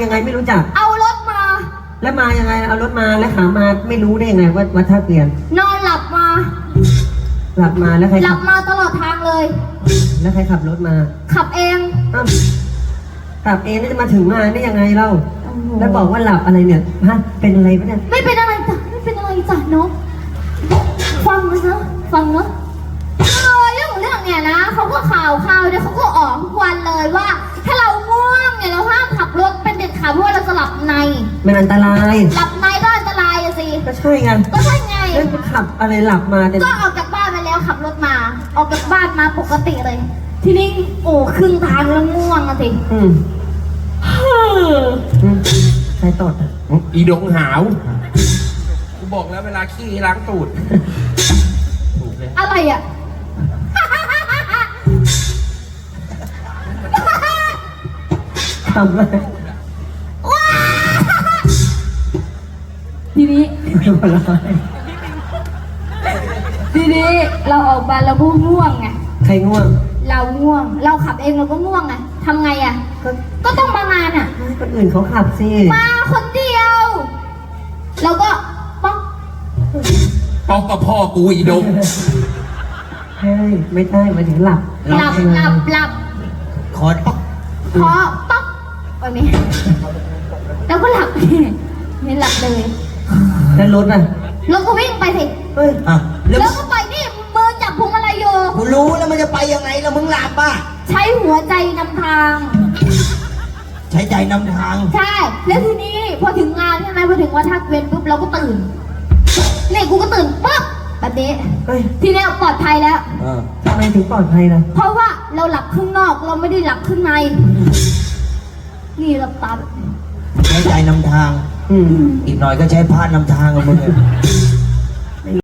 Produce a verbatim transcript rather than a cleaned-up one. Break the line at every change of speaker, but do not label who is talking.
ยังไงไม่รู้จัก
เอารถมา
แล้วมายังไงเอารถมาแล้วขามาไม่รู้ได้ยังไงว่าวัดท่าเกวียน
นอนหลับมา
หลับมาแล้วใคร
หลับมาตลอดทางเลย
แล้วใครขับรถมา
ขับเอง
ขับเองนี่จะมาถึงงานได้ยังไงเล่าแล้วบอกว่าหลับอะไรเนี่ยฮะเป็นอะไรปะเนี่ย
ไม่เป็นอะไรจ้ะไม่เป็นอะไรจ้ะน้องฟังนะฟังนะเออเรื่องเรื่องเนี่ยนะเขาก็ข่าวข่าวเดี๋ยวเขาก็ออกทุกวันเลยว่าถ้าเราง่วงเนี่ยเราห้ามขับรถเป็นเด็ดขาดเพราะว่าเราจะหลับใน
มันอันตราย
หลับในก็อันตรายอะสิ
ก็ใช่ไง
ก็ใช่ไง
แล้วขับอะไรหลับมาเนี่ย
ก็ออกจากบ้านไปแล้วขับรถมาออกจากบ้านมาปกติเลยทีนี้โอ้ครึ่งทางแล้วง่วงอะสิ
อืมใครตดอ่ะ
อีดงหาวกูบอกแล้วเวลาขี้ล้างตูดถูกเลย
อะไรอ่ะ
ทำอะไร
ทีนี้ทีนี้เราออกมาเราก็ง่วงไง
ใครง่วง
เราง่วงเราขับเองเราก็ง่วงไงทำไงอ่ะก็ต้องมางานอ่ะ
คนอื่นเขาขับสิ
มาคนเดียวเราก็ป๊อก
ป๊อกกับพ่อกูอีดง
ใช่ไม่ใช่มาถึงหลับ
หลับหลับหลับ
คอป๊อก
คอป๊อกแบบนี้แล้วก็หลับนี่หลับเลย
แล้วรถอ่ะ
รถก็วิ่งไปสิ
เฮ้ยอ่ะ
แล้วก็ไปนี่มือจับพวงมาลัยอยู่
กูรู้แล้วมันจะไปยังไงแล้วมึงหลับป่ะ
ใช้หัวใจนำทาง
ใช้ใจนำทาง
ใช่แล้วทีนี้พอถึงงานใช่ไหมพอถึงวัดท่าเกวียนปุ๊บเราก็ตื่นนี่กูก็ตื่นปุ๊บแบบนี้ทีนี้ปลอดภัยแล้ว
ทำไมถึงปลอดภัยล่ะ
เพราะว่าเราหลับข้างนอกเราไม่ได้หลับข้างในนี่เราตา
ใช้ใจนำทางอีกหน่อยก็ใช้พาดนำทางกับมึงเลย